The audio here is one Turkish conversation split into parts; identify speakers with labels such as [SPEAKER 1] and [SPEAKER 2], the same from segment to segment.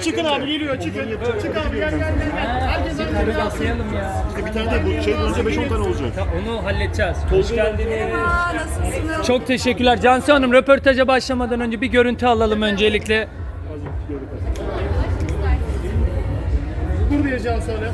[SPEAKER 1] Çıkın abi geliyor çıkın. Çık abi gel. Herkes
[SPEAKER 2] Yukarı basayalım ya.
[SPEAKER 1] Bir tane de bu şey önce 5-10 tane olacak.
[SPEAKER 2] Onu halledeceğiz. Hoş geldiniz.
[SPEAKER 3] Merhaba, nasılsınız?
[SPEAKER 2] Çok teşekkürler. Cansu Hanım, röportaja başlamadan önce bir görüntü alalım öncelikle.
[SPEAKER 1] Dur diyeceğim sonra.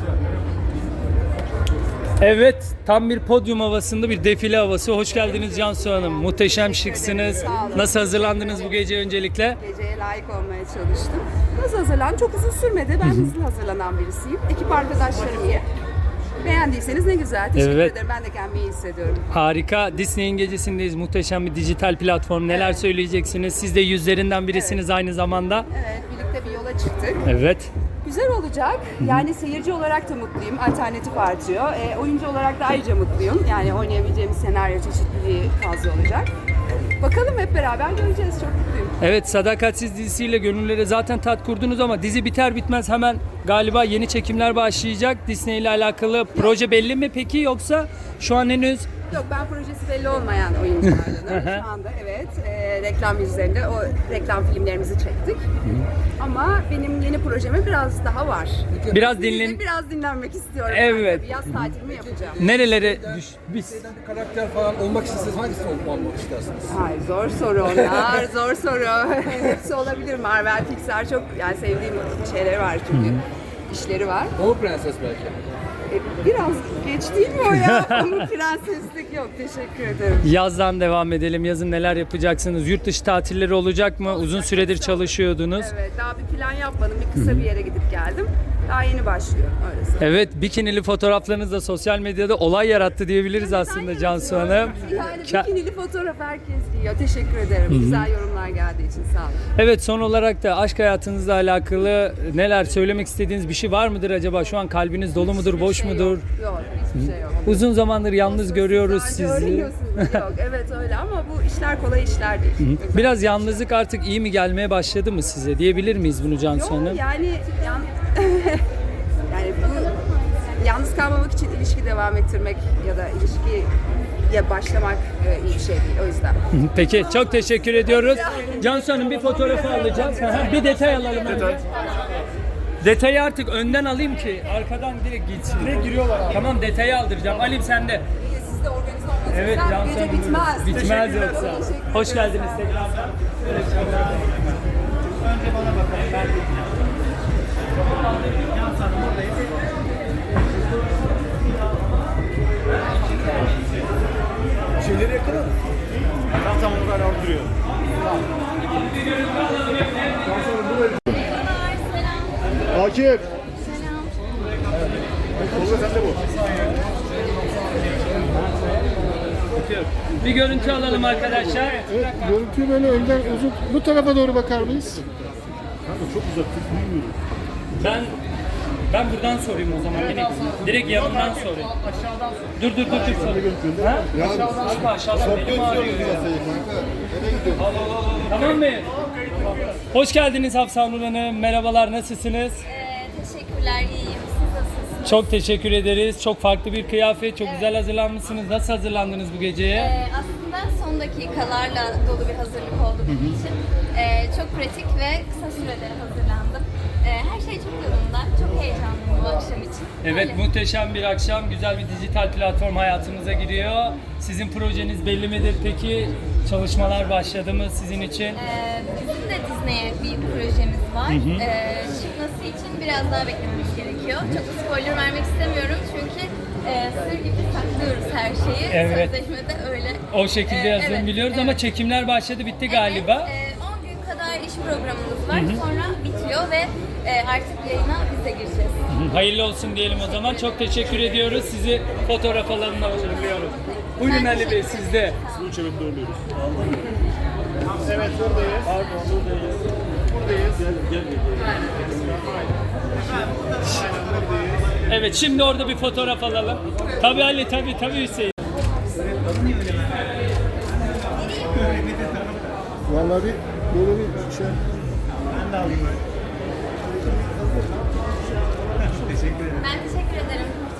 [SPEAKER 2] Evet, tam bir podyum havasında bir defile havası. Hoş geldiniz Cansu Hanım. Muhteşem şıksınız.
[SPEAKER 3] Sağ olun.
[SPEAKER 2] Nasıl hazırlandınız bu gece öncelikle?
[SPEAKER 3] Geceye layık olmaya çalıştım. Nasıl hazırlandım? Çok uzun sürmedi. Ben hızlı hazırlanan birisiyim. Ekip arkadaşlarım iyi. Beğendiyseniz ne güzel. Teşekkür
[SPEAKER 2] Evet.
[SPEAKER 3] ederim. Ben de kendimi iyi hissediyorum.
[SPEAKER 2] Harika. Disney'in gecesindeyiz. Muhteşem bir dijital platform. Neler söyleyeceksiniz? Siz de yüzlerinden birisiniz aynı zamanda.
[SPEAKER 3] Evet, birlikte bir yola çıktık.
[SPEAKER 2] Evet.
[SPEAKER 3] Güzel olacak. Yani seyirci olarak da mutluyum. Alternatif artıyor. Oyuncu olarak da ayrıca mutluyum. Yani oynayabileceğimiz senaryo çeşitliliği fazla olacak. Bakalım hep beraber göreceğiz. Çok mutluyum.
[SPEAKER 2] Evet, Sadakatsiz dizisiyle gönüllere zaten tat kurdunuz ama dizi biter bitmez hemen galiba yeni çekimler başlayacak. Disney ile alakalı proje belli mi peki, yoksa şu an henüz?
[SPEAKER 3] Yok, ben projesi belli olmayan oyunculardanım. Şu anda evet, reklam yüzlerinde o reklam filmlerimizi çektik. Ama benim yeni projeme biraz daha var.
[SPEAKER 2] Biraz dinlen.
[SPEAKER 3] Biraz dinlenmek istiyorum.
[SPEAKER 2] Evet.
[SPEAKER 3] Ben tabii. Yaz tatilimi yapacağım.
[SPEAKER 2] Nerelere biz?
[SPEAKER 4] Bir karakter falan olmak isteseniz hangisini olmak istersiniz?
[SPEAKER 3] Ay, zor soru onlar, zor soru. Hepsi olabilir. Marvel, Pixar çok yani sevdiğim şeyleri var çünkü. İşleri var.
[SPEAKER 4] Pamuk Prenses belki.
[SPEAKER 3] Biraz geç değil mi o ya? Ama prenseslik yok. Teşekkür ederim.
[SPEAKER 2] Yazdan devam edelim. Yazın neler yapacaksınız? Yurt dışı tatilleri olacak mı? Uzun süredir çalışıyordunuz.
[SPEAKER 3] Evet, daha bir plan yapmadım. Bir kısa bir yere gidip geldim. Daha yeni başlıyorum öylesi.
[SPEAKER 2] Evet, bikinili fotoğraflarınız da sosyal medyada olay yarattı diyebiliriz aslında Cansu Hanım.
[SPEAKER 3] Yani bikinili fotoğraf herkes giyiyor. Teşekkür ederim. Güzel yorumlar geldiği için sağ olun.
[SPEAKER 2] Evet, son olarak da aşk hayatınızla alakalı neler söylemek istediğiniz bir şey var mıdır acaba? Şu an kalbiniz dolu mudur, boş mudur?
[SPEAKER 3] Yok, hiçbir şey yok.
[SPEAKER 2] Uzun zamandır yalnız görüyoruz
[SPEAKER 3] Sadece
[SPEAKER 2] sizi.
[SPEAKER 3] öğreniyorsunuz. Yok, evet öyle ama bu işler kolay işler değil.
[SPEAKER 2] Biraz yalnızlık artık iyi mi gelmeye başladı mı size? Diyebilir miyiz bunu Cansu
[SPEAKER 3] Yok,
[SPEAKER 2] Hanım?
[SPEAKER 3] yani yani bu yalnız kalmamak için ilişki devam ettirmek ya da ilişkiye başlamak iyi bir şey değil o yüzden.
[SPEAKER 2] Peki, çok teşekkür ediyoruz. Cansu Hanım, bir fotoğrafı alacağız. Bir detay alalım önce. Detayı artık önden alayım ki arkadan direkt gitsin.
[SPEAKER 1] Direkt giriyorlar abi.
[SPEAKER 2] Tamam, detayı aldıracağım. Alim sende.
[SPEAKER 3] Siz de organize olmanız
[SPEAKER 2] Evet
[SPEAKER 3] güzel.
[SPEAKER 2] Cansu
[SPEAKER 3] Gece
[SPEAKER 2] Hanım.
[SPEAKER 3] bitmez.
[SPEAKER 2] Bitmez
[SPEAKER 3] Teşekkür
[SPEAKER 2] yoksa.
[SPEAKER 3] ederim.
[SPEAKER 2] Hoş geldiniz tekrardan.
[SPEAKER 1] Şeyleri yakala. Tamam onu hala orada duruyor. Akif. Tolga sen de bu.
[SPEAKER 2] Bir görüntü alalım arkadaşlar.
[SPEAKER 5] Evet, görüntüyü böyle önden uzun bu tarafa doğru bakar mıyız?
[SPEAKER 1] Kanka çok uzak. Çok bilmiyorum.
[SPEAKER 2] Ben buradan sorayım o zaman. Direkt yanından sorayım.
[SPEAKER 1] Aşağıdan sor.
[SPEAKER 2] Dur.
[SPEAKER 1] Görüntüde.
[SPEAKER 2] Ha? Aşağıdan benim ağrıyor ya. Tamam mı? Hoş geldiniz Hafsa Nur Hanım. Merhabalar, nasılsınız?
[SPEAKER 6] Teşekkürler, iyiyim. Siz nasılsınız?
[SPEAKER 2] Çok teşekkür ederiz. Çok farklı bir kıyafet, çok güzel hazırlanmışsınız. Nasıl hazırlandınız bu geceye?
[SPEAKER 6] Aslında son dakikalarla dolu bir hazırlık oldu benim için. Çok pratik ve kısa sürede hazırlandım. Her şey çok yolunda. Çok heyecanlıyım bu akşam için.
[SPEAKER 2] Evet,
[SPEAKER 6] Öyle.
[SPEAKER 2] muhteşem bir akşam. Güzel bir dijital platform hayatımıza giriyor. Sizin projeniz belli midir peki? Çalışmalar başladı mı sizin için?
[SPEAKER 6] Bizim de Disney'e bir projemiz var. Çıkması için biraz daha beklememiz gerekiyor. Çok da spoiler vermek istemiyorum çünkü sır gibi saklıyoruz her şeyi.
[SPEAKER 2] Evet.
[SPEAKER 6] Sözleşmede öyle.
[SPEAKER 2] O şekilde yazdığını
[SPEAKER 6] Evet,
[SPEAKER 2] biliyoruz ama çekimler başladı, bitti galiba.
[SPEAKER 6] Evet, 10 gün kadar iş programımız var. Sonra bitiyor ve artık yayına biz de gireceğiz.
[SPEAKER 2] Hayırlı olsun diyelim o zaman. Çok teşekkür ediyoruz. Sizi fotoğraf alanına uğurluyorum. Buyurun
[SPEAKER 6] Ben
[SPEAKER 2] Ali Bey,
[SPEAKER 6] teşekkür
[SPEAKER 2] sizde.
[SPEAKER 1] Suyu çabuk doğruluyoruz. Evet buradayız. Pardon buradayız. Buradayız. Gel.
[SPEAKER 2] Evet, şimdi orada bir fotoğraf alalım. Tabii Ali, tabii Hüseyin.
[SPEAKER 5] Vallahi bir böyle bir şey.
[SPEAKER 6] Ben teşekkür ederim.